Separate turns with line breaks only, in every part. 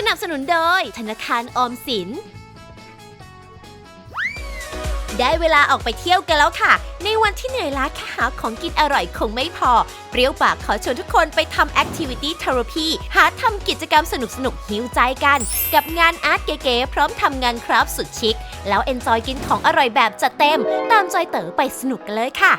นับสนุนโดยธนาคารออมสินได้เวลาออกไปเที่ยวกันแล้วค่ะในวันที่เหนื่อยล้าแค่หาของกินอร่อยคงไม่พอเปรี้ยวปากขอชวนทุกคนไปทำ Activity Therapy หาทำกิจกรรมสนุกๆหิวใจกันกับงานอาร์ตเก๋ๆพร้อมทำงานคราฟต์สุดชิคแล้วเอนจอยกินของอร่อยแบบจัดเต็มตามจอยเต๋อไปสนุกกันเลยค่ะ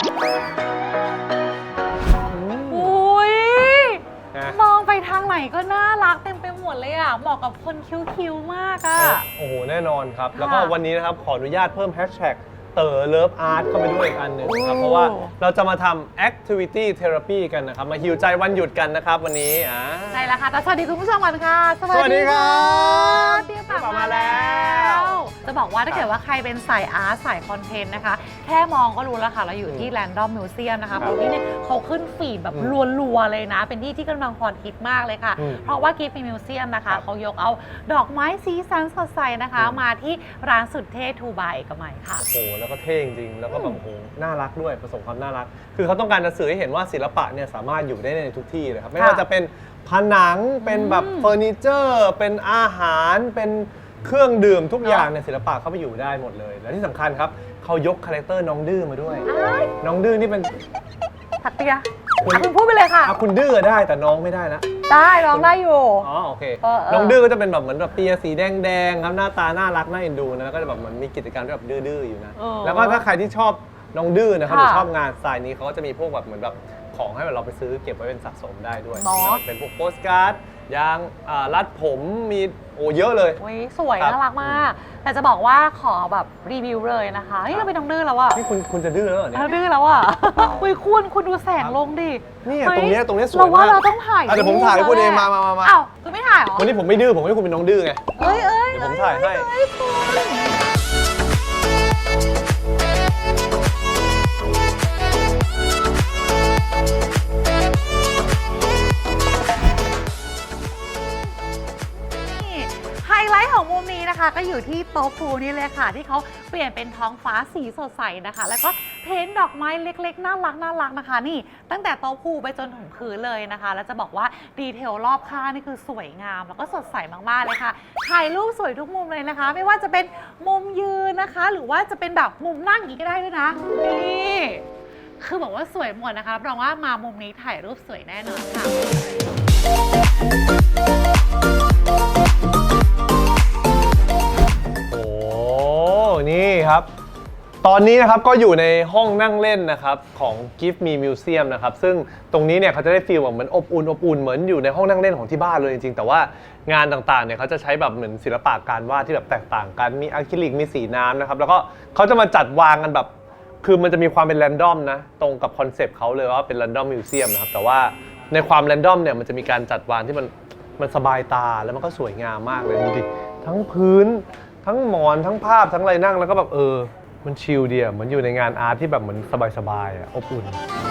มองไปทางไหนก็น่ารักเต็มไปหมดเลยอ่ะเหมาะกับคนคิ้วๆมากอ่ะ
โอ้โหแน่นอนครับแล้วก็วันนี้นะครับขออนุญาตเพิ่มแฮชแท็กเต๋อเลิฟอาร์ตเข้าไปด้วยอีกอันหนึ่งนะครับเพราะว่าเราจะมาทำ Activity Therapy กันนะครับมาฮีลใจวันหยุดกันนะครับวันนี้
ใช่แล้วค่ะแต่สวัสดีคุณผู้ชมก่อนค่ะ
สวัสดีครับ
เตรียมกลับมาแล้วจะบอกว่าถ้าเกิดว่าใครเป็นสายอาร์ตสายคอนเทนต์นะคะแค่มองก็รู้แล้วค่ะเราอยู่ที่ Random Museum นะคะเพราะที่เนี่ยเขาขึ้นฟีดแบบรัวๆเลยนะเป็นที่กำลังฮอตฮิตมากเลยค่ะเพราะว่า Gift Museum นะคะเขายกเอาดอกไม้สีสันสดใสนะคะมาที่ร้านสุดเท่ทูบายเอกมัยค่ะ
โอ้แล้วก็เท่จริงๆแล้วก็แบบโอ้น่ารักด้วยผสมความน่ารักคือเขาต้องการจะสื่อให้เห็นว่าศิลปะเนี่ยสามารถอยู่ได้ในทุกที่เลยครับไม่ว่าจะเป็นผนังเป็นแบบเฟอร์นิเจอร์เป็นอาหารเป็นเครื่องดื่มทุกอย่างในศิลปะเข้าไปอยู่ได้หมดเลยและที่สำคัญครับเขายกคาแรคเตอร์น้องดื้อมาด้วยน้องดื้อนี่เป็น
ถัดเปียคุณพูดไปเลยค่ะ
คุณดื้อได้แต่น้องไม่ได้นะ
ได้น้องได้อยู่
อ๋อโอเคน้องดื้อก็จะเป็นแบบเหมือนแบบเปียสีแดงๆครับหน้าตาน่ารักน่าเอ็นดูนะแล้วก็จะแบบเหมือนมีกิจกรรมที่แบบดื้อๆอยู่นะแล้วก็ถ้าใครที่ชอบน้องดื้อนะครับหรือชอบงานสไตล์นี้เขาก็จะมีพวกแบบเหมือนแบบของให้เราไปซื้อเก็บไว้เป็นสะสมได้ด้วยเป็นพวกโปสการ์ดยางรัดผมมีเยอะเลย
สวยน่ารักมากแต่จะบอกว่าขอแบบรีวิวเลยนะคะนี่เราเป็นน้องดื้อแล้วอะ
นี่คุณจะดื้อแล้วเหรอเนี่ย
ดื้อแล้วอะคุณดูแสงลงดิ
นี่ตรงนี้สวยมาก
เราว่าเราต้องถ่าย
เดี๋ยวผมถ่ายให้คุณเองมา
อ้าวคุณไม่ถ่ายหรอ
วันนี้ผมไม่ดื้อผมให้คุณเป็นน้องดื้อไง
เดี๋
ยวผมถ่ายให้
ไฮไลท์ของมุมนี้นะคะก็อยู่ที่โต๊ะพูนี่เลยค่ะที่เขาเปลี่ยนเป็นท้องฟ้าสีสดใสนะคะแล้วก็เพ้นท์ดอกไม้เล็กๆน่ารักนะคะนี่ตั้งแต่โต๊ะพูไปจนถึงพื้นเลยนะคะแล้วจะบอกว่าดีเทลรอบข้างนี่คือสวยงามแล้วก็สดใสมากๆเลยค่ะถ่ายรูปสวยทุกมุมเลยนะคะไม่ว่าจะเป็นมุมยืนนะคะหรือว่าจะเป็นแบบมุมนั่งอย่างนี้ก็ได้ด้วยนะนี่คือบอกว่าสวยหมดนะคะรับรองว่ามามุมนี้ถ่ายรูปสวยแน่นอนค่ะ
นี่ครับตอนนี้นะครับก็อยู่ในห้องนั่งเล่นนะครับของ Gift Me Museum นะครับซึ่งตรงนี้เนี่ยเขาจะได้ฟีลแบบเหมือนอบอุ่นเหมือนอยู่ในห้องนั่งเล่นของที่บ้านเลยจริงๆแต่ว่างานต่างๆเนี่ยเขาจะใช้แบบเหมือนศิลปะการวาดที่แบบแตกต่างกันมีอะคริลิกมีสีน้ำนะครับแล้วก็เขาจะมาจัดวางกันแบบคือมันจะมีความเป็นแรนดอมนะตรงกับคอนเซปต์เขาเลยว่าเป็นแรนดอมมิวเซียมนะครับแต่ว่าในความแรนดอมเนี่ยมันจะมีการจัดวางที่มันสบายตาแล้วมันก็สวยงามมากเลยดูดิทั้งพื้นทั้งหมอนทั้งภาพทั้งอะไรนั่งแล้วก็แบบมันชิลดีอ่ะเหมือนอยู่ในงานอาร์ตที่แบบเหมือนสบายๆอ่ะอบอุ่น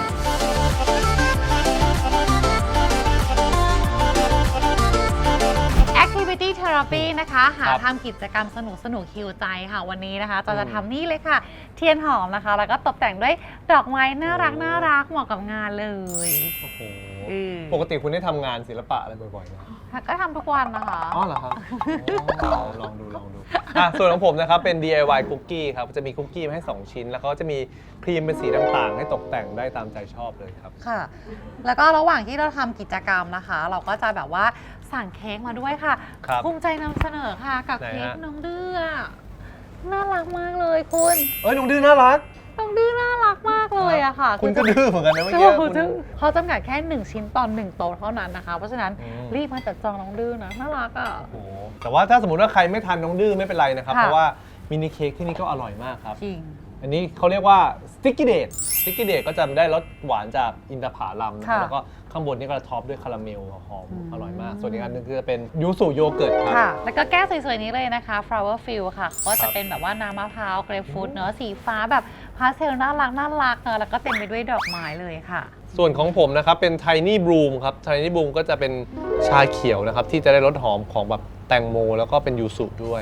Activity Therapy นะคะหาทำกิจกรรมสนุกฮิวใจค่ะวันนี้นะคะจะทำนี่เลยค่ะเทียนหอมนะคะแล้วก็ตกแต่งด้วยดอกไม้น่ารักเหมาะกับงานเลย
โอ้โหปกติคุณได้ทำงานศิลปะอะไรบ่อยๆไหม
ก็ทำทุกวันนะคะ
อ๋อเหรอครับลองดูส่วนของผมนะครับเป็น DIY คุกกี้ครับจะมีคุกกี้มาให้2ชิ้นแล้วก็จะมีครีมเป็นสีต่างๆให้ตกแต่งได้ตามใจชอบเลยครับ
ค่ะแล้วก็ระหว่างที่เราทำกิจกรรมนะคะเราก็จะแบบว่าสั่งเค้กมาด้วยค่ะภูมิใจนำเสนอค่ะกับเค้กน้องดื้อน่ารักมากเลยคุณ
น้องดื้อน่ารัก
มากเลยอะค่ะ
คุณก็ดื้อเหมือนกันนะเมื่อกี้
เขาจำกัดแค่1ชิ้นต่อ1โต๊ะเท่านั้นนะคะเพราะฉะนั้นรีบมาจัดจองน้องดื้อนะน่ารักอะ
โอ้แต่ว่าถ้าสมมติว่าใครไม่ทานน้องดื้อไม่เป็นไรนะครับเพราะว่ามินิเค้กที่นี่ก็อร่อยมากครับ
จริง
อันนี้เขาเรียกว่าสติ๊กกี้เดทก็จะได้รสหวานจากอินทผลัมนะครับแล้วก็ข้างบนนี่ก็ท็อปด้วยคาราเมลหอมอร่อยมากส่วนอีกอันนึงคือเป็นยูสุโยเกิร์ตครับ
แล้วก็แก้วสวยๆนี้เลยนะคะ flower fill ค่ะก็จะเป็นแบบว่าน้ำมะพร้าวเกรปฟรุตเนื้อสีฟ้าแบบพาสเทลน่ารักเนอะแล้วก็เต็มไปด้วยดอกไม้เลยค่ะ
ส่วนของผมนะครับเป็น Tiny Bloom ครับ Tiny Bloom ก็จะเป็นชาเขียวนะครับที่จะได้รสหอมของแบบแตงโมแล้วก็เป็นยูสุด้วย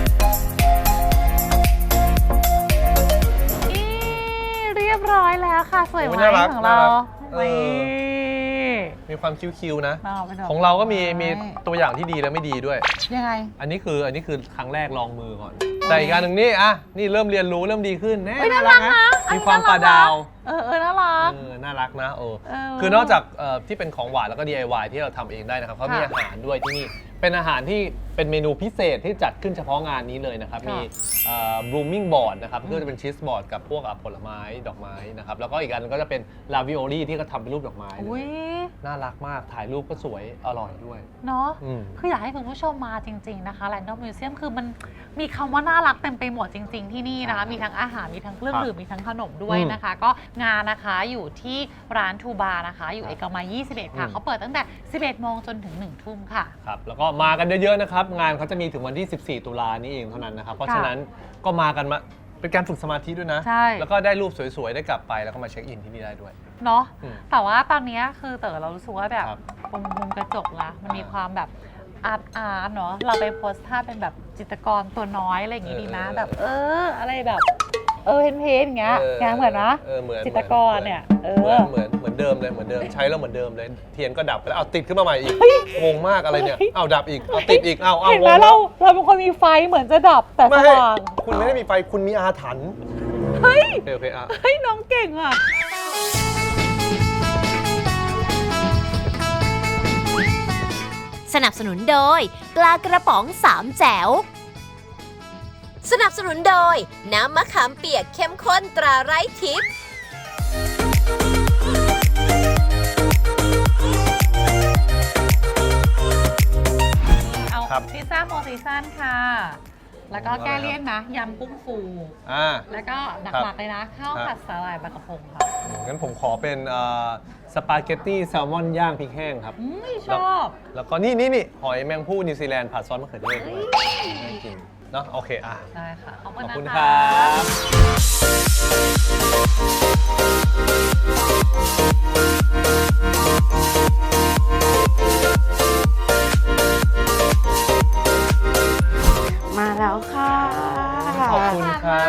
ร้อยแล้วค่ะค่ะสวยไหม
น่ารัก
ของเรา
น่ารัก
นี่
มีความคิ้วๆนะ
น่ารักเป็นดก
ของเราก็มีตัวอย่างที่ดีและไม่ดีด้วย
ยังไง
อันนี้คือครั้งแรกลองมือก่อน แต่อีกการหนึ่งนี่นี่เริ่มเรียนรู้เริ่มดีขึ้นแน่
เฮ้ยน่ารักนะ
มีความปลาดาว
น่ารัก
น่ารักนะคือนอกจากที่เป็นของหวานแล้วก็ DIY ที่เราทำเองได้นะครับเขามีอาหารด้วยที่นี่เป็นอาหารที่เป็นเมนูพิเศษที่จัดขึ้นเฉพาะงานนี้เลยนะครับมีblooming board นะครับก็จะเป็นชีสบอร์ดกับพวกผลไม้ดอกไม้นะครับแล้วก็อีกอันนึงก็จะเป็นลาวิโอลี่ที่เขาทำเป็นรูปดอกไม้เล
อุ้
ย
ย
น่ารักมากถ่ายรูปก็สวยอร่อยด้วย
เนาะ
อืม
คืออยากให้คุณผู้ชมมาจริง ๆ นะคะ Random Museum คือมันมีคำว่าน่ารักเต็มไปหมดจริง ๆ ที่นี่นะคะ มีทั้งอาหาร มีทั้งเครื่องดื่ม มีทั้งขนมด้วยนะคะ ก็งานนะคะอยู่ที่ร้านทูบาร์นะคะ อยู่เอกมัย 21 ค่ะเขาเปิดตั้งแต่ 11 โมงจนถึง 1 ทุ่มค่ะ
ครับแล้วก็มากันเยอะๆนะครับ งานเขาจะมีถึงวันที่ 14 ตุลานี้เองเท่านั้นนะครับ เพราะฉะนั้นก็มากันมาเป็นการฝึกสมาธิด้วยนะ
ใช่
แล้วก็ได้รูปสวยๆ ได้กลับไปแล้วก็มาเช็คอินที่นี่ได้ด้วย
เนาะ
อืม
แต่ว่าตอนนี้คือเต๋อเรารู้สึกว่าแบบ
ครับ
ตรงมุมกระจกละมันมีความแบบอาร์ตเนาะเราไปโพสท่าเป็นแบบจิตรกรตัวน้อยอะไรอย่างงี้ดีนะแบบอะไรแบบเพนอย่างเงี้ยงานเหมือนนะ
เหมือน
จิตรกรเนี่ย
เหมือนเดิมเลยเหมือนเดิมใช้แล้วเหมือนเดิมเลยเทียนก็ดับไปแล้วเอาติดขึ้นมาใหม่อีกงงมากอะไรเนี่ยเอาดับอีกเอาติดอีกเอา
เห็นไหม
งง
เราเป็นคนมีไฟเหมือนจะดับแต่ส
ไม่
ว่าง
คุณไม่ได้มีไฟคุณมีอาถรรพ์
เฮ้ย
โอเคอ่ะ
เฮ้ยน้องเก่งอ่ะ
สนับสนุนโดยปลากระป๋องสามแจ๋ว สนับสนุนโดยน้ำมะขามเปียกเข้มข้นตราไร้ทิพย์
เอา
ครับ
พิซซ่าโมซีซันค่ะ แล้วก็แก้เลี่ยนนะยำกุ้งฟู แล้วก็หลักๆเลยนะข้าวผัดสาหร่ายปลากระพงค่ะ
งั้นผมขอเป็นสปาเกตตี้แซลมอนย่างพริกแห้งครับ
ชอบ
แล้วก็นี่หอยแมงผู้นิวซีแลนด์ผัดซอสมะเขือเทศด้วยน่ากินเนาะโอเคอ่ะ
ได้ค่ะ ขอบ
ขอบ
คุ
คุณ ณ
นะ
ค
คะ
รับ
มาแล้วค่ะ
ขอบคุณครับ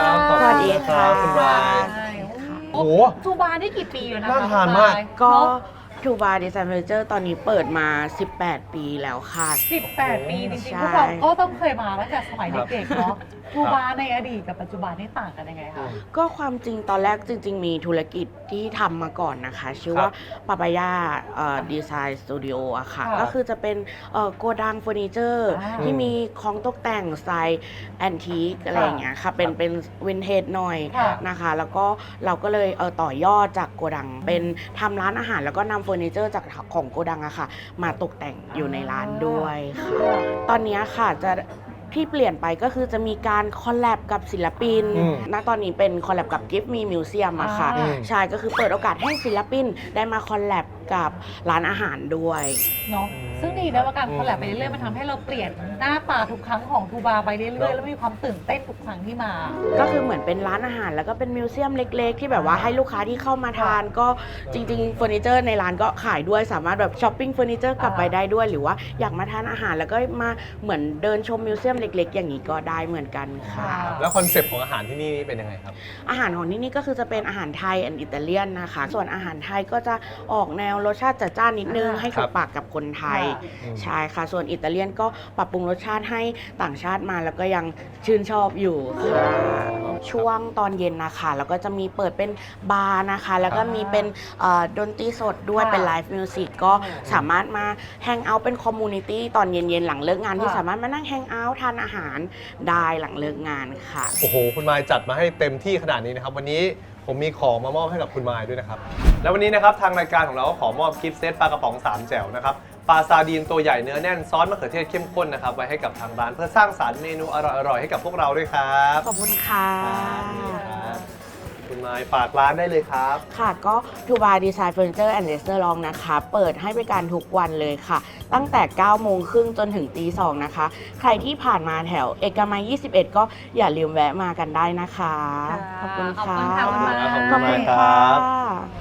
สวัสดีค่ะ
คุณบาย
ใช่
โอ้โห
ทูบาร์นี่กี่ปีอยู่นะคะ
น่าทานมาก
ก็ทูบาร์ดีไซน์เฟอร์นิเจอร์ตอนนี้เปิดมา 18 ปีแล้วค่ะ
18 ปีจริง
ใช่
ๆพวกเราก็ต้องเคยมาตั้งแต่สมัยเด็กๆเนาะทูบาร์ในอดีตกับปัจจุบันนี่ต่างกันยังไงคะ
ก็ความจริงตอนแรกจริง ๆ มีธุรกิจที่ทำมาก่อนนะคะ ชื่อว่าปาปายาดีไซน์สตูดิโออะค่ะ
ค่ะ
ก็คือจะเป็นโกดังเฟอร์นิเจอร์
อ่า
ที่มีของตกแต่งสไตล์แอนทีคอะไรอย่างเงี้ยค่ะเป็นวินเทจหน่อย
ค่ะ
นะคะ แล้วก็เราก็เลยต่อยอดจากโกดัง เป็นทำร้านอาหารแล้วก็นำเฟอร์นิเจอร์จากของโกดังอะค่ะ มาตกแต่งอยู่ในร้านด้วยค่ะ ตอนนี้ค่ะจะที่เปลี่ยนไปก็คือจะมีการคอลแลบกับศิลปิน ณ ตอนนี้เป็นคอลแลบกับ Give Me Museum อะค่ะ
อ่า
ใช่ ก็คือเปิดโอกาสให้ศิลปินได้มาคอลแลบกับร้านอาหารด้วย
เนาะซึ่งดีนะว่าการคอลแลบไปเรื่อยๆมันทำให้เราเปลี่ยนหน้าตาทุกครั้งของทูบาร์ไปเรื่อยๆแล้วมีความตื่นเต้นทุกครั้งที่มา
ก็คือเหมือนเป็นร้านอาหารแล้วก็เป็นมิวเซียมเล็ก ๆ ที่แบบว่าให้ลูกค้าที่เข้ามาทาน ก็จริงๆเฟอร์นิเจอร์ในร้านก็ขายด้วยสามารถแบบช้อปปิ้งเฟอร์นิเจอร์กลับไปได้ด้วย หรือว่าอยากมาทานอาหารแล้วก็มาเหมือนเดินชมมิวเซียมเล็ก ๆ อย่างนี้ก็ได้เหมือนกันค่ะ
แล้วคอนเซปต์ของอาหารที่นี่เป็นยังไงครับ
อาหารของที่นี่ก็คือจะเป็นอาหารไทยและอิตาเลียนนะคะ ส่วนอาหารไทยก็จะออกแนวรสชาติจัดจ้านนิดนึง ให้ถูกปากกับคนไทย
อืม
ใช่ค่ะ ส่วนอิตาเลียนก็ปรับปรุงรสชาติให้ต่างชาติมาแล้วก็ยังชื่นชอบอยู่ค่ะช่วงตอนเย็นนะคะแล้วก็จะมีเปิดเป็นบาร์นะคะ แล้วก็มีเป็นดนตรีสดด้วยเป็นไลฟ์มิวสิกก็สามารถมาแฮงเอาท์เป็นคอมมูนิตี้ตอนเย็นๆหลังเลิกงานที่สามารถมานั่งแฮงเอาท์ทานอาหารได้หลังเลิกงานค่ะ
โอ้โห คุณมายจัดมาให้เต็มที่ขนาดนี้นะครับ วันนี้ผมมีของมามอบให้กับคุณมายด้วยนะครับ แล้ววันนี้นะครับทางรายการของเราก็ขอมอบกิฟต์เซตปลากระป๋อง3แจ่วนะครับปลาซาดีนตัวใหญ่เนื้อแน่นซอสมะเขือเทศเข้มข้นนะครับไว้ให้กับทางร้านเพื่อสร้างสรรค์เมนูอร่อยๆให้กับพวกเราด้วยครับ
ขอบคุณค่ะ
ครับคุณมายฝากร้านได้เลยครับ
ค่ะก็ทูบาร์ดีไซน์เฟอร์นิเจอร์แอนด์เรสเตอร์ลองนะคะ เปิดให้บริการทุกวันเลยค่ะ ตั้งแต่ 9 โมงครึ่งจนถึงตี 2 นะคะ ใครที่ผ่านมาแถวเอกมัย 21 ก็อย่าลืมแวะมากันได้นะคะ
ค่ะ
ขอบคุณ
ขอบ
ค่ะ
คุณค่ะคุณมาย
ขอบคุณ
ครั
ค่ะ
บ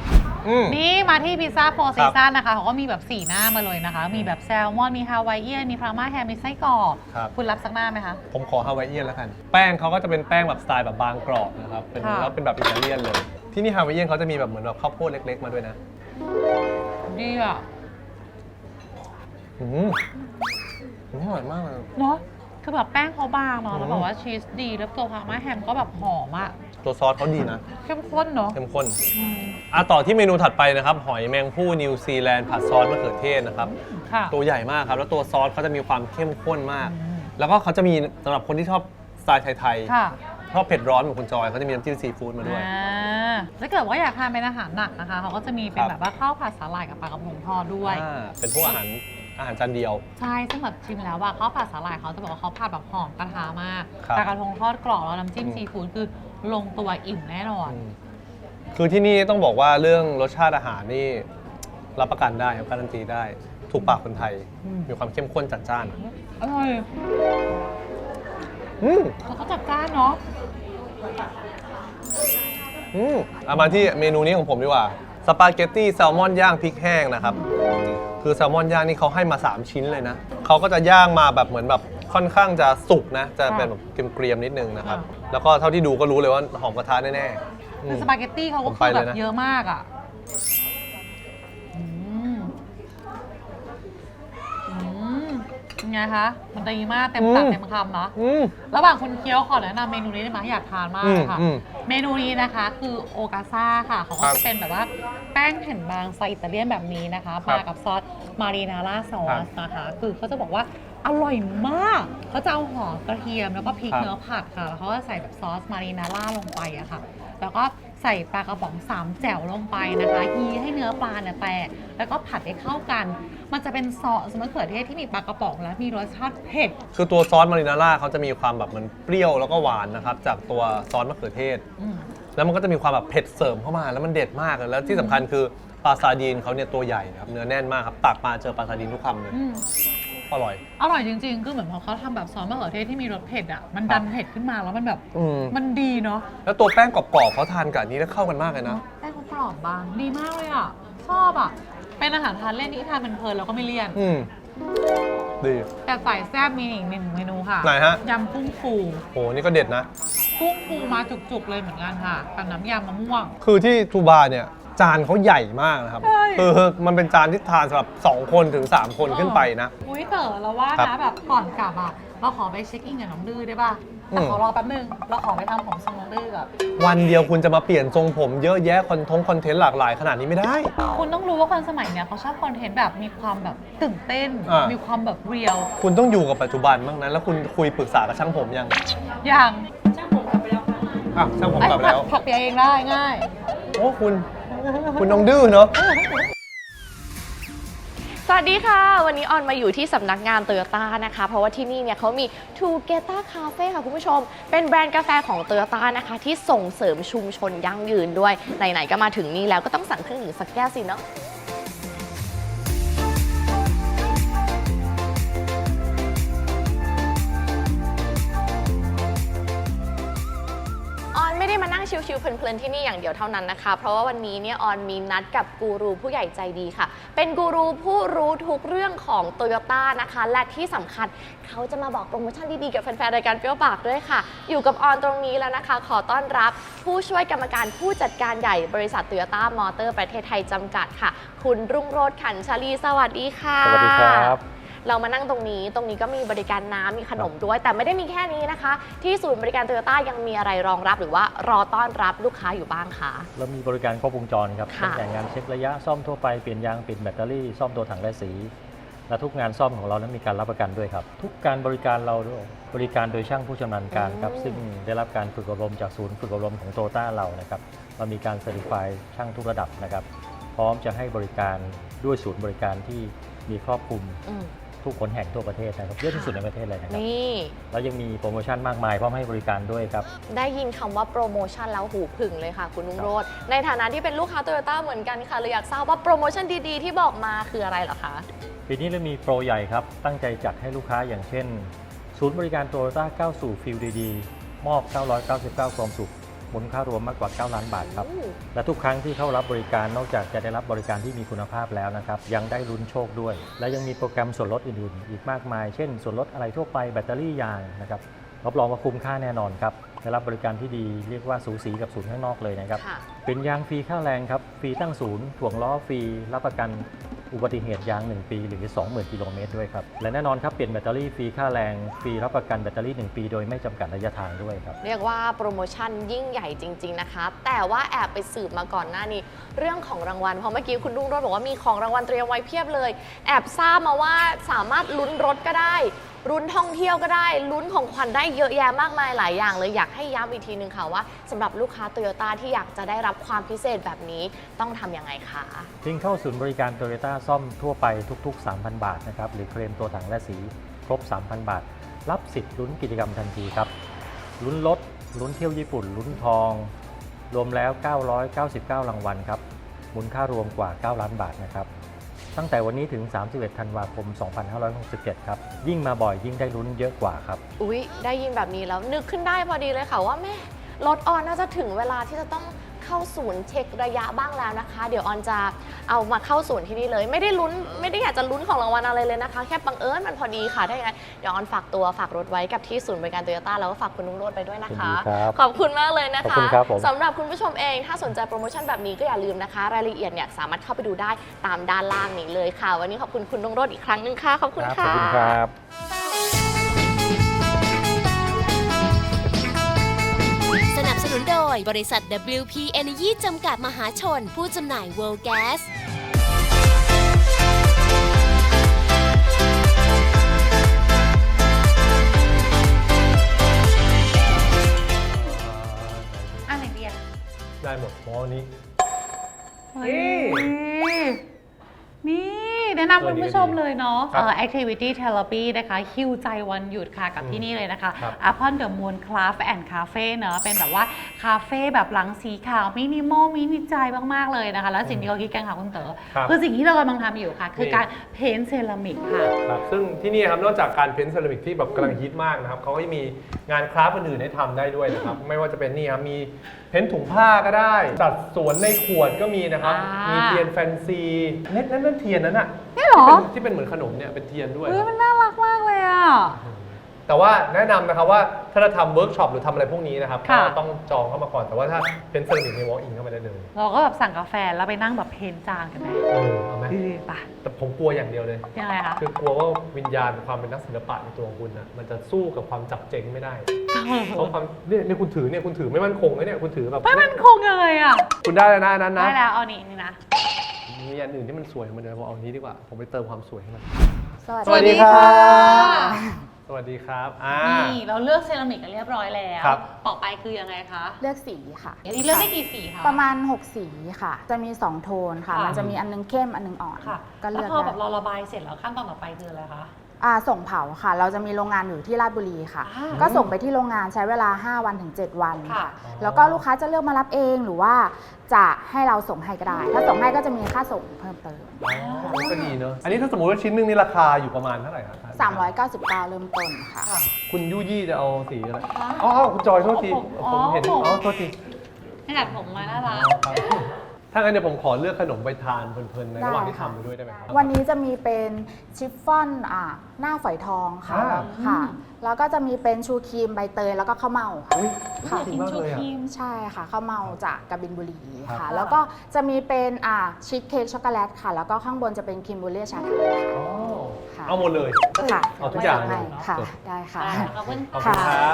นี่มาที่พิซซ่าโฟร์ซีซั่นนะคะเขาก็มีแบบ4หน้ามาเลยนะคะ มีแบบแซลมอนมีฮาวายเอียนมีพาร์มาแฮมมีไส้กรอก
ครับ
คุณรับสักหน้าไหมคะ
ผมขอฮาวายเอียนแล้วกัน แป้งเขาก็จะเป็นแป้งแบบสไตล์แบบบางกรอบนะครับเป็น
ค่ะ
แล้วเป็นแบบอิตาเลียนเลย ที่นี่ฮาวายเอียนเขาจะมีแบบเหมือนแบบข้าวโพดเล็กๆมาด้วยนะ
ดีอ่ะ
อืมอร่อยมากเลย
เนาะคือแบบแป้งเขาบางเนาะ
อืม
แล้วแบบว่าชีสดีแล้วตัวพาร์มาแฮมก็แบบหอมอ่ะ
ตัวซอสเขาดีนะ
เข้มข้นเนาะ
เข้มข้น
อืม
ต่อที่เมนูถัดไปนะครับ หอยแมงผู้นิวซีแลนด์ผัดซอสมะเขือเทศนะครับ
ค่ะ
ตัวใหญ่มากครับ แล้วตัวซอสเขาจะมีความเข้มข้นมาก
อืม
แล้วก็เขาจะมีสำหรับคนที่ชอบสไตล์ไทย
ค่ะ
ๆชอบเผ็ดร้อนเหมือนคุณจอยเขาจะมีน้ำจิ้มซีฟู้ดมาด้วย
ถ้าเกิดว่าอยากทานเป็นอาหารหนักนะคะเขาก็จะมีเป็น
ครับ
แบบว่าข้าวผัดสาหร่ายกับปลากระพงทอดด้วย
เป็นพวกอาหารจานเดียว
ใช่ซึ่งแบบชิมแล้วว่าข้าวผัดสาหร่ายเขาจะบอกว่าเขาผัดแบบหอมกระทะมาก
ครับ
ปลากระพงทอดกรอบแล้วน้ำจิ้ม
อืม
ซีฟู้ดคือลงตัวอิ่มแน่นอน
คือที่นี่ต้องบอกว่าเรื่องรสชาติอาหารนี่รับประกันได้ครับการันตีได้ ถูกปากคนไทย
อืม
มีความเข้มข้นจัดจ้าน
อร่อย
อืม
แล้วก็จัดจ้านเนาะ
เอามาที่เมนูนี้ของผมดีกว่า สปาเกตตี้แซลมอนย่างพริกแห้งนะครับ คือแซลมอนย่างนี่เขาให้มา 3 ชิ้นเลยนะ เขาก็จะย่างมาแบบเหมือนแบบค่อนข้างจะสุกนะ จะเป็นแบบเกรียมๆนิดนึงนะครับ แล้วก็เท่าที่ดูก็รู้เลยว่าหอมกระทะแน่ๆ
คือสปาเกตตี้เขาก็
ผม
คื
ไป
อ
เล
แบ
ย
บ
นะ
เยอะมากอ่ะอืมยังไงคะมันดีมากเต็มปากเต็มคำเนาะ
อืม
ระหว่างคุณเคี้ยวขอแนะนำเมนูนี้ได้ไหมอยากทานมากค่ะ
อืม
เมนูนี้นะคะคือโอกาซ่าค่ะเขาก็
ครับ
จะเป็นแบบว่าแป้งแผ่นบางสไตล์อิตาเลียนแบบนี้นะคะ
ครับ
มากับซอสมารีนาร่าซอ
ครั
ส
บ
นะคะคือเขาจะบอกว่าอร่อยมากเขาจะเอาหอมกระเทียมแล้วก็พริก
ครับ
เนื้อผัดค่ะแล้วเขาก็ใส่แบบซอสมารีนาร่าลงไปอะค่ะแล้วก็ใส่ปลากระป๋อง3แจ่วลงไปนะคะยีให้เนื้อปลาเนี่ยแตกแล้วก็ผัดให้เข้ากัน มันจะเป็นซอสมะเขือเทศที่มีปลากระป๋องและมีรสชาติเผ็ด
คือตัวซอสมารินาร่าเขาจะมีความแบบมันเปรี้ยวแล้วก็หวานนะครับ จากตัวซอสมะเขือเทศ
อืม
แล้วมันก็จะมีความแบบเผ็ดเสริมเข้ามาแล้วมันเด็ดมากเลยแล้วที่สำคัญคือปลาซาดีนเขาเนี่ยตัวใหญ่นะครับเนื้อแน่นมากครับตักมาเจอปลาซาดีนทุกคำเลย
อืม
อร่อย
อร่อยจริงๆ คือเหมือนพอเขาทำแบบซอสมะเขือเทศที่มีรสเผ็ดอ่ะ มันดันเผ็ดขึ้นมาแล้วมันแบบ มันดีเนาะ
แล้วตัวแป้งกรอบๆเขาทานกับอันนี้แล้วเข้ากันมากเลยนะ
แป้งเขากรอบบาง ดีมากเลยอ่ะ ชอบอ่ะ เป็นอาหารทานเล่นที่ทานเพลินๆแล้วก็ไม่เลี่ยน
ดี
แต่ใส่แซ่บมีอีกหนึ่งเมนูค่ะ
ไหนฮะ
ยำกุ้งฟู
โหนี่ก็เด็ดนะ
กุ้งฟูมาจุกๆเลยเหมือนกันค่ะกับน้ำยำมะม่วง
คือที่ทูบาเนี่ยจานเขาใหญ่มากนะครับ
ใช่
คือมันเป็นจานที่ทานสำหรับ2 คนถึง 3 คนขึ้นไปนะ
อุ้ยเต๋อเราว่า
ครั
นะ
บ
แบบก่อนกลับอ่ะ เราขอไปเช็คอินกับน้องดื้อได้ป่ะ แต่ขอรอแป๊บนึง เราขอไปทำผมทรงน้องดื้อก่อน
วันเดียวคุณจะมาเปลี่ยนทรงผมเยอะแยะคอนเทนต์หลากหลายขนาดนี้ไม่ได้
คุณต้องรู้ว่าคนสมัยเนี้ยเขาชอบคอนเทนต์แบบมีความแบบตื่นเต้น
อ่ามี
มีความแบบเรียล
คุณต้องอยู่กับปัจจุบันบ้างนะแล้วคุณคุยปรึกษากับช่างผมยัง
อย่าง
ช่างผมกลับไปแล้ว
ถักเปียเองได้ง่าย
โอ้คุณน้องดื้อเนาะ
สวัสดีค่ะ วันนี้ออนมาอยู่ที่สำนักงานโตโยต้านะคะ เพราะว่าที่นี่เนี่ยเขามี Together Cafe ค่ะคุณผู้ชม เป็นแบรนด์กาแฟของโตโยต้านะคะ ที่ส่งเสริมชุมชนยั่งยืนด้วย ไหนๆก็มาถึงนี่แล้วก็ต้องสั่งเครื่องดื่มสักแก้วสิเนาะ ออนไม่ได้มานั่งชิวๆเพลินๆที่นี่อย่างเดียวเท่านั้นนะคะ เพราะว่าวันนี้เนี่ยออนมีนัดกับกูรูผู้ใหญ่ใจดีค่ะ เป็นกูรูผู้รู้ทุกเรื่องของโตโยต้านะคะ และที่สำคัญเขาจะมาบอกโปรโมชั่นดีๆกับแฟนๆรายการเปรี้ยวปากด้วยค่ะ อยู่กับออนตรงนี้แล้วนะคะ ขอต้อนรับผู้ช่วยกรรมการผู้จัดการใหญ่บริษัทโตโยต้ามอเตอร์ประเทศไทยจำกัดค่ะ คุณรุ่งโรจน์ขันชลีสวัสดีค่ะ
สวัสดีครับ
เรามานั่งตรงนี้ก็มีบริการน้ำมีขนมด้วย แต่ไม่ได้มีแค่นี้นะคะ ที่ศูนย์บริการโตโยต้ายังมีอะไรรองรับหรือว่ารอต้อนรับลูกค้าอยู่บ้างคะ
เรามีบริการครบวงจรครับ
ค่ะ
ตั้งแต่งานเช็คระยะซ่อมทั่วไปเปลี่ยนยางเปลี่ยนแบตเตอรี่ซ่อมตัวถังและสี และทุกงานซ่อมของเรานั้นมีการรับประกันด้วยครับ ทุกการบริการเราบริการโดยช่างผู้ชำนาญการครับซึ่งได้รับการฝึกอบรมจากศูนย์ฝึกอบรมของโตโยต้าเรานะครับเรามีการเซอร์ติฟายช่างทุกระดับนะครับพร้อมจะให้บริการด้วยศูนย์บริการที่มีครอบคลุม
อืม
ทุกคนแห่งทั่วประเทศนะครับเยอะที่สุดในประเทศเลยนะครับ
นี่
แล้วยังมีโปรโมชั่นมากมายพร้อมให้บริการด้วยครับ
ได้ยินคำว่าโปรโมชั่นแล้วหูผึ่งเลยค่ะ คุณนุ่งโรจน์ในฐานะที่เป็นลูกค้าโตโยต้าเหมือนกันค่ะเลยอยากทราบว่าโปรโมชั่นดีๆที่บอกมาคืออะไรเหรอคะ
ปีนี้เรามีโปรใหญ่ครับ ตั้งใจจัดให้ลูกค้าอย่างเช่น ศูนย์บริการโตโยต้าก้าวสู่ฟิลดีๆมอบ 999 ความสุขมูลค่ารวมมากกว่า9ล้านบาทครับและทุกครั้งที่เข้ารับบริการนอกจากจะได้รับบริการที่มีคุณภาพแล้วนะครับยังได้ลุ้นโชคด้วย และยังมีโปรแกรมส่วนลดอื่นๆอีกมากมายเช่นส่วนลดอะไรทั่วไปแบตเตอรี่ยางนะครับรับรองว่าคุ้มค่าแน่นอนครับได้รับบริการที่ดีเรียกว่าสูสีกับศูนย์ข้างนอกเลยนะครับ
ค่ะ
เป็นยางฟรีค่าแรงครับฟรีตั้งศูนย์ถ่วงล้อฟรีรับประกันอุบัติเหตุยาง1ปีหรือ 20,000 กิโลเมตรด้วยครับและแน่นอนครับเปลี่ยนแบตเตอรี่ฟรีค่าแรงฟรีรับประกันแบตเตอรี่1ปีโดยไม่จำกัดระยะทางด้วยครับ
เรียกว่าโปรโมชั่นยิ่งใหญ่จริงๆนะคะแต่ว่าแอบไปสืบมาก่อนหน้านี้เรื่องของรางวัลเพราะเมื่อกี้คุณรุ่งโรจน์บอกว่ามีของรางวัลเตรียมไว้เพียบเลยแอบทราบมาว่าสามารถลุ้นรถก็ได้ลุ้นท่องเที่ยวก็ได้ลุ้นของขวัญได้เยอะแยะมากมายหลายอย่างเลยอยากให้ย้ำอีกทีนึงค่ะว่าสำหรับลูกค้าโตโยต้าที่อยากจะได้รับความพิเศษแบบนี้ต้องทำยังไงคะ
ทิ้งเข้าศูนย์บริการโตโยต้าซ่อมทั่วไปทุกๆ 3,000 บาทนะครับหรือเคลมตัวถังและสีครบ 3,000 บาท รับสิทธิ์ลุ้นกิจกรรมทันทีครับลุ้นรถลุ้นเที่ยวญี่ปุ่นลุ้นทอง รวมแล้ว 999 รางวัลครับมูลค่ารวมกว่า 9 ล้านบาทนะครับตั้งแต่วันนี้ถึง 31 ธันวาคม 2567 ครับยิ่งมาบ่อยยิ่งได้ลุ้นเยอะกว่าครับ
อุ๊ยได้ยินแบบนี้แล้วนึกขึ้นได้พอดีเลยค่ะว่าแม่รถออนน่าจะถึงเวลาที่จะต้องเข้าศูนย์เช็คระยะบ้างแล้วนะคะ เดี๋ยวออนจะเอามาเข้าศูนย์ที่นี่เลยไม่ได้ลุ้นไม่ได้อยากจะลุ้นของรางวัลอะไรเลยนะคะแค่บังเอิญมันพอดีค่ะถ้าอย่างนั้นเดี๋ยวออนฝากตัวฝากรถไว้กับที่ศูนย์บริการโตโยต้าแล้วก็ฝากคุณนุ่งโรจน์ไปด้วยนะคะ
ยินดีครับ
ขอบคุณมากเลยนะ
ขอบ
คะ
คุณครับผม
สำหรับคุณผู้ชมเองถ้าสนใจโปรโมชั่นแบบนี้ก็อย่าลืมนะคะ รายละเอียดเนี่ยสามารถเข้าไปดูได้ตามด้านล่างนี้เลยค่ะ วันนี้ขอบคุณคุณนุ่งโรจน์อีกครั้งหนึงค่ะขอบคุณ
ข
ค่ะ
อบคุณครับ
สนับสนุนโดยบริษัท WP Energy จำกัดมหาชน ผู้จำหน่าย World Gas
อะไรดีอะ
ได้หมดหมอนี้
เฮ้ยนี่แนะนำคุณผู้ชมเลยเนาะ
ครับ
activity therapy นะคะฮิวใจวันหยุดค่ะกับที่นี่เลยนะคะ
ครับ
Upon the Moon Craft and Cafe เนอะเป็นแบบว่าคาเฟ่แบบหลังสีขาวมินิมอลมินิใจมากๆเลยนะคะ แล้วสิ่งที่เขาคิดกันค่ะคุณเต๋อ
ครับ
คือสิ่งที่เรากำลังทำอยู่ค่ะ คือการเพ้นท์เซรามิกค่ะ
ครับซึ่งที่นี่ครับนอกจากการเพ้นท์เซรามิกที่แบบกำลังฮิตมากนะครับเขาก็จะมีงานคราฟต์อื่นๆให้ทำได้ด้วยนะครับ ไม่ว่าจะเป็นนี่ครับมีเพ้นท์ถุงผ้าก็ได้จัดสวนในขวดก็มีนะครับ
อ่ามี
มีเทียนแฟนซีนั่นเทียนนั้นอะ
นี่เหรอ
ที่เป็นเหมือนขนมเนี่ยเป็นเทียนด้วย
เฮ้ยมันน่ารักมากเลยอ่ะ
แต่ว่าแนะนำนะครับว่าถ้าจะทำเวิร์กช็อปหรือทำอะไรพวกนี้นะครับ
ค่ะ
ก็ต้องจองเข้ามาก่อนแต่ว่าถ้าเพ้นท์เซรามิกในวอล์กอินเข้ามาได้เลย
เราก็แบบสั่งกาแฟแล้วไปนั่งแบบเพ้นท์จานกันไหม
เอาไหม
ป่ะ
แต่ผมกลัวอย่างเดียวเลย
ยังไงคะ
คือกลัวว่าวิญญาณความเป็นนักศิลปะในตัวของคุณนะมันจะสู้กับความจับเจงไม่ได้ เพราะความเนี่ยคุณถือไม่มั่นคงเลยเนี่ยคุณถือแบบ
ไม่มันคงเลยอ่ะ
คุณได้แล้วนะอันนั้นนะ
ได้แล้วเอานี่นะ
มีอันอื่นที่มันสวยมันเดี๋ยวผมเอาอันนี้ดีกว่า ผมไปเติมความสวยให้มัน
สวัสดีค่ะ
สวัสดีครับ
นี่เราเลือกเซรามิกกันเรียบร้อยแล้ว
ครับ
ต่อไปคือยังไงคะ
เลือกสีค่ะ
อันนี้เลือกได้กี่สีคะ
ประมาณ 6 สีค่ะ จะมี 2 โทนค่ะ
ค่ะ
มันจะมีอันนึงเข้มอันนึงอ่อน
ค่ะ
ก็เลื
แล้
อ
ว
ก
พอแบบ
ได้
เราระบายเสร็จแล้วขั้นตอนต่อไปคืออะไรคะ
ส่งเผาค่ะ เราจะมีโรงงานอยู่ที่ราชบุรีค่ะ
อ่า
ก็ส่งไปที่โรงงานใช้เวลา 5 วันถึง 7 วัน
ค่ะ
ค่ะ แล้วก็ลูกค้าจะเลือกมารับเองหรือว่าจะให้เราส่งให้ก็ได้ ถ้าส่งให้ก็จะมีค่าส่งเพิ่มเติม
ก็ดีเนอะอันนี้ถ้าสมมติว่าชิ้นหนึงนี่ราคาอยู่ประมาณเท่าไหร่ครับ
399 เริ่มต้นค่ะ
ค่ะ
คุณยุยี่จะเอาสีอะไรอ๋อคุณจอยโทษที
อ๋อ
ผมเห็น
ผม
อ๋อโทษที
ให้ดัดผมมาน่ารัก
ถ้างั้นเดี๋ยวผมขอเลือกขนมไปทานเพลินๆในระหว่างที่
ได้ค่ะ
ทำไปด้วยได้ไหมครับ
วันนี้จะมีเป็นชิฟฟ่อนหน้าฝอยทองค่ะ ค่ะ แล้วก็จะมีเป็นชูครีมใบเตยแล้วก็ข้าวเม่าค่ะ
เฮ้ย
ค่ะ
จริงมากเลยอ่ะ
ใช่ค่ะข้าวเมาจากกบินบุรี
ครั
ค่ะ
บ
แล้วก็จะมีเป็นชีสเค้กช็อกโกแลตค่ะ แล้วก็ข้างบนจะเป็นครีมบูเล่ชาไทย
อ๋อ
ค่ะ
เอาหมดเลย
ค่ะ
เอาทุกอย่างเลย
ให้ค่ะ ได้ค่ะ
ขอบคุณ
ขอบคุณครับ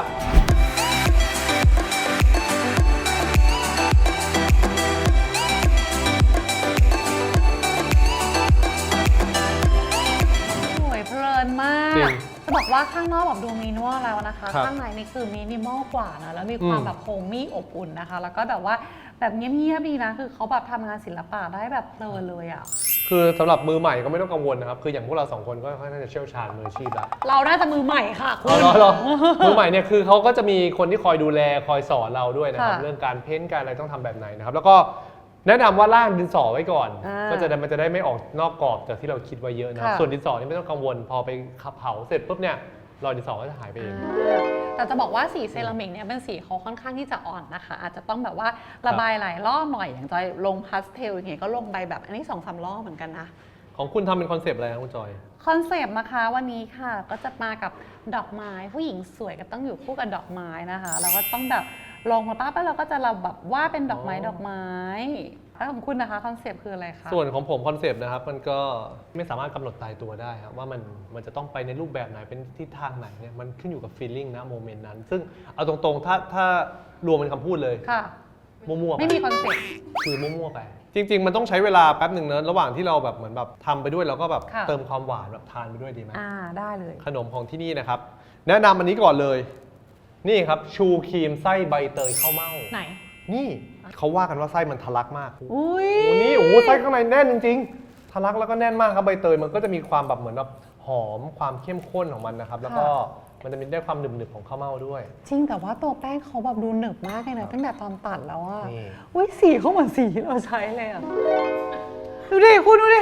สวยเพลินมา
จริ
ก
ง
จะบอกว่าข้างนอกแบบดูมินิมอลแล้วนะคะ
ครับ
ข้างในนี่คือมินิมอลกว่านะ แล้วมีความ
อืม
แบบโฮมมี่อบอุ่นนะคะ แล้วก็แบบว่าแบบเงียบๆดีนะ คือเขาแบบทำงานศิลปะได้แบบเพลินเลยอ่ะ
คือสำหรับมือใหม่ก็ไม่ต้องกังวลนะครับ คืออย่างพวกเราสองคนก็ค่อนข้างจะเชี่ยวชาญมืออาชีพแล้ว
เราน่าจะมือใหม่ค่ะคุณ
เหรอมือใหม่เนี่ยคือเขาก็จะมีคนที่คอยดูแลคอยสอนเราด้วยนะครับ
ค่ะ
เรื่องการเพ้นท์การอะไรต้องทำแบบไหนนะครับ แล้วก็แนะนำว่าล่างดินสอไว้ก่อน
อ่า
ก็มันจะได้ไม่ออกนอกกรอบจากที่เราคิดไว้เยอะนะครับ
ค่ะ
ส่วนดินสอนี่ไม่ต้องกังวล พอไปขับเผาเสร็จปุ๊บเนี่ยรอยดินสอก็จะหายไปเอง
แต่จะบอกว่าสีเซรามิกเนี่ยเป็นสีเขาค่อนข้างที่จะอ่อนนะคะ อาจจะต้องแบบว่าระบายหลายรอบหน่อยอย่างจอยลงพาสเทลอย่างเงี้ยก็ลงไปแบบอันนี้ 2-3 รอบเหมือนกันนะ
ของคุณทำเป็นคอนเซปต์อะไรครับคุณจอย
คอนเซปต์นะคะวันนี้ค่ะก็จะมากับดอกไม้ผู้หญิงสวยก็ต้องอยู่คู่กับดอกไม้นะคะเราก็ต้องแบบลงมาป้าแล้วเราก็จะแบบว่าเป็นดอกไม้แล้วของคุณนะคะคอนเซปต์คืออะไรคะ
ส่วนของผมคอนเซปต์นะครับมันก็ไม่สามารถกำหนดตายตัวได้ครับว่ามันจะต้องไปในรูปแบบไหนเป็นทิศทางไหนเนี่ยมันขึ้นอยู่กับฟีลลิ่งนะโมเมนต์นั้น ซึ่งเอาตรงๆถ้ารวมเป็นคำพูดเลย
ค่ะ
มั่วๆไป
ไม่มีคอนเซปต์
คือมั่วๆไปจริงๆมันต้องใช้เวลาแป๊บหนึ่งเนอะระหว่างที่เราแบบเหมือนแบบทำไปด้วยเราก็แบบ
ค่ะ
เติมความหวานแบบทานไปด้วยดีไหม
ได้เลย
ขนมของที่นี่นะครับแนะนำอันนี้ก่อนเลยนี่ครับชูครีมไส้ใบเตยข้าวเม่า
ไหน
นี่เขาว่ากันว่าไส้มันทะลักมาก
อุ้ย
โอ้นี่โอ้ไส้ข้างในแน่นจริงๆทะลักแล้วก็แน่นมากครับใบเตยมันก็จะมีความแบบเหมือนแบบหอมความเข้มข้นของมันนะครับแล้วก็มันจะมีได้ความหนึบๆของข้าวเม่าด้วย
จริงแต่ว่าตัวแป้งเขาแบบดูหนึบมากเลยนะตั้งแต่ตอนตัดแล้วอะ
นี่
อุ้ยสีเขาเหมือนสีที่เราใช้เลยอะดูดิคุณดูดิ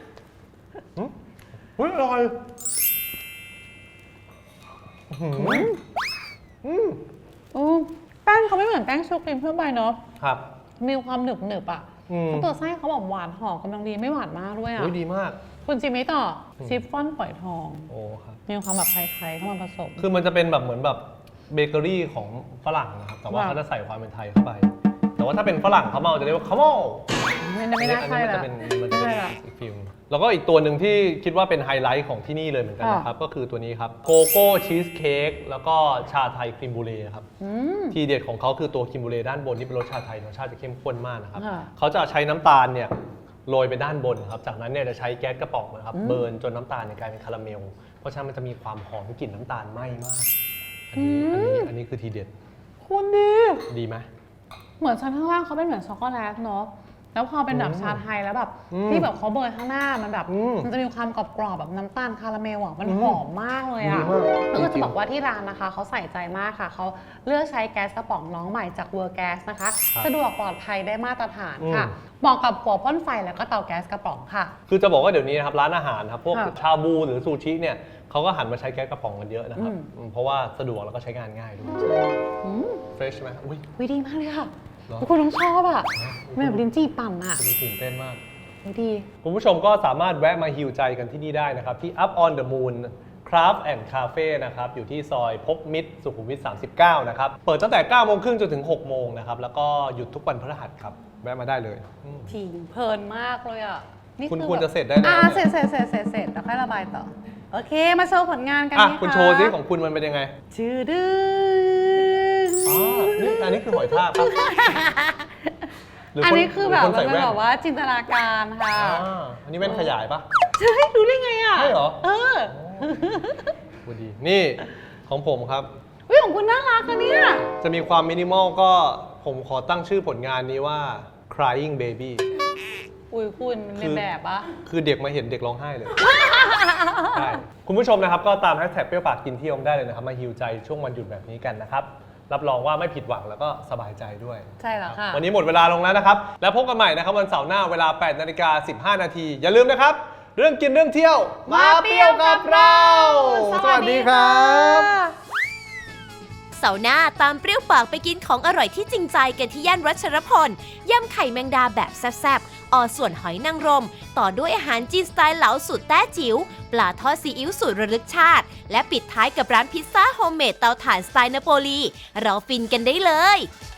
อุ้ยอร่อย
แป้งเขาไม่เหมือนแป้งชูครีมทั่วไปเนาะ
ครับ
มีความหนึบๆอ่ะ
อืม
แล้วตัวไส้เขาแบบหวานหอมกำลังดีไม่หวานมากด้วยอ่ะ
อุ้ยดีมาก
คุณจิมมี่ต่อชิฟฟ่อนฝอยทอง
โอ้ครับ
มีความแบบไทยๆเข้ามาผสม
คือมันจะเป็นแบบเหมือนแบบเบเกอรี่ของฝรั่งนะครับแต่ว่า
ว้าว
เขาจะใส่ความเป็นไทยเข้าไป แต่ว่าถ้าเป็นฝรั่งเขาเมาจะเรียกว่าข้าวเม่า
ไม่น่า
อัน
ใช่
นี้มัน
ละ
จะเป็น
ไม่ใช่ละ
อีกฟิลแล้วก็อีกตัวหนึ่งที่คิดว่าเป็นไฮไลท์ของที่นี่เลยเหมือนกันนะครับก็คือตัวนี้ครับโกโก้ชีสเค้กแล้วก็ชาไทยครีมบูเล่ครับ ทีเด็ดของเขาคือตัวครีมบูเล่ด้านบนที่เป็นรสชาไทยรสชาติจะเข้มข้นมากนะครับ
ค่ะ
เขาจะใช้น้ำตาลเนี่ยโรยไปด้านบนครับจากนั้นเนี่ยจะใช้แก๊สกระป๋องนะครับเบิร์นจนน้ำตาลเนี่ยกลายเป็นคาราเมลเพราะฉะนั้นมันจะมีความหอมกลิ่นน้ำตาลไหม้มากอันนี้คือทีเด็ด
คุณดี
ดีไหม
เหมือนชั้นข้างล่างเขาเป็นเหมือนช็อกโกแลตเนาะแล้วพอเป็นแบบชาไทยแล้วแบบที่แบบเขาเบิร์นข้างหน้ามันแบบมันจะมีความกรอบๆแบบน้ำตาลคาราเมลอ่ะมันหอมมากเลยอ่ะ
ดีมาก
ก็จะบอกว่าที่ร้านนะคะเขาใส่ใจมากค่ะเขาเลือกใช้แก๊สกระป๋องน้องใหม่จากเวอร์แก๊สนะคะสะดวกปลอดภัยได้มาตรฐานค่ะเหมาะกับหัวพ่นไฟแล้วก็เตาแก๊สกระป๋องค่ะ
คือจะบอกว่าเดี๋ยวนี้นะครับร้านอาหารครับพวก
ค่ะ
ชาบูหรือซูชิเนี่ยเขาก็หันมาใช้แก๊สกระป๋องกันเยอะนะครับเพราะว่าสะดวกแล้วก็ใช้งานง่ายด้วยเฟรชไหมอุ้ย
วิดีมากเลยค่ะ
เหรอ
คุณต้องชอบอ่ะแบบลิ้นจี่ปั่นอ่ะ
คุณตื่นเต้นมาก
ดี
คุณผู้ชมก็สามารถแวะมาฮิวใจกันที่นี่ได้นะครับ ที่ Up on the Moon Craft and Cafe นะครับ อยู่ที่ซอยพบมิตรสุขุมวิท 39 นะครับ เปิดตั้งแต่ 9 โมงครึ่งจนถึง 6 โมงนะครับ แล้วก็หยุดทุกวันพฤหัสครับ แวะมาได้เลยอืม
จริงเพลินมากเลยอ่ะนี่
คุณ
อ
ควร
แบบ
จะเสร็จได้แล้ว
เส
เนี่ย
ร็จแล้วค่อยระบายต่อ โอเค มาโชว์ผลงานกัน
อ่ะ
นี่
คุณโชว์ซิของคุณมันเป็นยังไง
ชื่อดึง
อ๋อนี่อันนี้คือหอยทากครับหรื
อัน
น
นี้คือแบบ
หรื
มัน
ใส่
เป็น
แว่
แบบว่าจินตนาการค่ะ
อันนี้แว่นขยายปะ
เฮ้ยรู้ได้ไงอ่ะ
ใช่เหรอ
เออ
พูดดี นี่ของผมครับ
วิของคุณน่ารักอะเนี่ย
จะมีความมินิมอลก็ผมขอตั้งชื่อผลงานนี้ว่า crying baby
อุ้ยคุณมันเป็นแบบปะ
คือเด็กมาเห็นเด็กร้องไห้เลย ใช่คุณผู้ชมนะครับก็ตามแฮชแท็กเปรี้ยวปากกินเที่ยวได้เลยนะครับ มาฮิวใจช่วงวันหยุดแบบนี้กันนะครับ รับรองว่าไม่ผิดหวังแล้วก็สบายใจด้วย
ใช่แล้วค่ะ
วันนี้หมดเวลาลงแล้วนะครับ แล้วพบกันใหม่นะครับวันเสาร์หน้าเวลา 8:15 น. อย่าลืมนะครับ เรื่องกินเรื่องเที่ยว มาเปรี้ยวกับเรา สวัสดีครับ
เสาร์หน้าตามเปรี้ยวปากไปกินของอร่อยที่จริงใจกันที่ย่านรัชรพลยำไข่แมงดาแบบแซ่บๆอส่วนหอยนางรม ต่อด้วยอาหารจีนสไตล์เหลาสูตรแต้จิ๋วปลาทอดซีอิ๊วสูตรระลึกชาติ และปิดท้ายกับร้านพิซซ่าโฮมเมดเตาถ่านสไตล์นาโปลีเราฟินกันได้เลย